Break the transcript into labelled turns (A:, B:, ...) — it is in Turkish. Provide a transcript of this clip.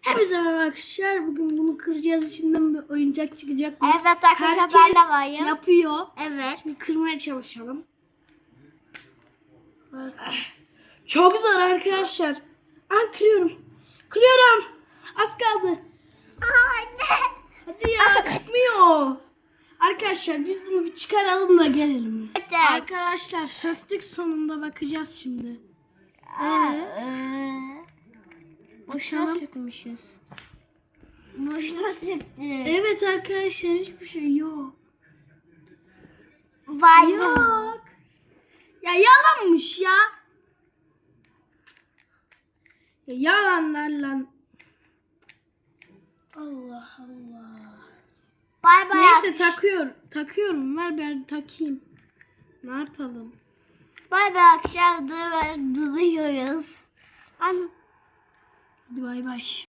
A: Hepinize merhaba arkadaşlar. Bugün bunu kıracağız. İçinden bir oyuncak çıkacak.
B: Evet arkadaşlar,
A: Herkes
B: ben de varım.
A: yapıyor.
B: Evet.
A: Şimdi kırmaya çalışalım. Çok zor arkadaşlar. Ben kırıyorum. Kırıyorum. Az kaldı.
B: Anne.
A: Hadi ya, çıkmıyor. Arkadaşlar biz bunu bir çıkaralım da gelelim.
B: Evet.
A: Arkadaşlar söktük, sonunda bakacağız şimdi.
B: Boşuna
A: Bakalım.
B: sıkmışız. Boşuna sıktık.
A: Evet arkadaşlar, hiçbir şey yok.
B: Var
A: Yok.
B: mı?
A: Ya yalanmış ya. Ya yalanlar lan. Allah Allah.
B: Bay bay.
A: Neyse takıyorum. Ver ben takayım. Ne yapalım?
B: Bay bay akşam duruyoruz.
A: Hadi bay bay.